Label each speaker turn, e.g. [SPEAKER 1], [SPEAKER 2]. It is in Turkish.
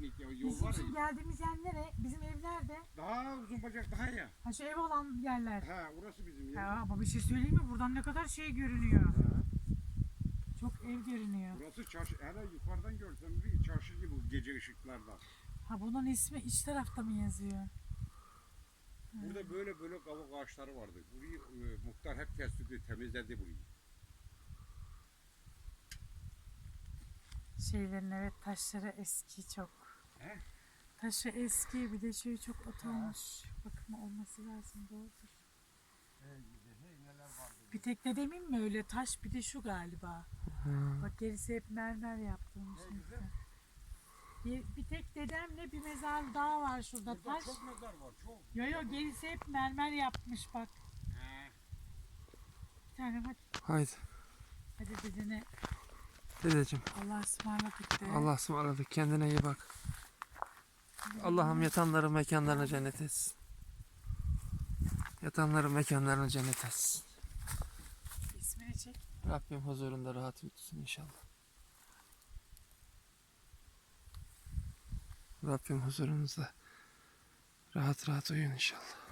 [SPEAKER 1] gittik ya. Yol
[SPEAKER 2] Bizim
[SPEAKER 1] var
[SPEAKER 2] şimdi
[SPEAKER 1] ya.
[SPEAKER 2] geldiğimiz yer nere? Bizim evlerde.
[SPEAKER 1] Daha uzun bacak daha ya.
[SPEAKER 2] Ha şu ev olan yerler.
[SPEAKER 1] Ha orası bizim yer.
[SPEAKER 2] Ya ama bir şey söyleyeyim mi? Buradan ne kadar şey görünüyor.
[SPEAKER 1] Ha.
[SPEAKER 2] Çok ev görünüyor.
[SPEAKER 1] Burası çarşı. Hele yukarıdan görsem bir çarşı gibi bu gece ışıklarda.
[SPEAKER 2] Ha bunun ismi iç tarafta mı yazıyor?
[SPEAKER 1] Burada böyle böyle kavuk ağaçları vardı. Burayı muhtar hep kesti, temizledi burayı.
[SPEAKER 2] Şeylerin evet taşları eski çok.
[SPEAKER 1] He?
[SPEAKER 2] Taşı eski bir de şey çok atılmış. Bakımı olması lazım doğrudur.
[SPEAKER 1] Neler vardı.
[SPEAKER 2] Bir tek de demin mi öyle taş bir de şu galiba. Bak gerisi hep mermer yaptırmış. Bir tek dedemle bir mezar daha var şurada
[SPEAKER 1] Burada
[SPEAKER 2] taş.
[SPEAKER 1] çok mezar var çok.
[SPEAKER 2] Yo gerisi hep mermer yapmış bak.
[SPEAKER 1] He.
[SPEAKER 2] Bir tane hadi.
[SPEAKER 3] Haydi
[SPEAKER 2] Dedene
[SPEAKER 3] dedeciğim.
[SPEAKER 2] Allah'a ısmarladık de.
[SPEAKER 3] Allah'a ısmarladık. Kendine iyi bak. Allah'ım yatanların mekanlarını cennet etsin. Yatanların mekanlarını cennet etsin.
[SPEAKER 2] İsmini çek.
[SPEAKER 3] Rabbim huzurunda rahat uyutsun inşallah. Rabbim huzurunuzda rahat rahat uyuyun inşallah.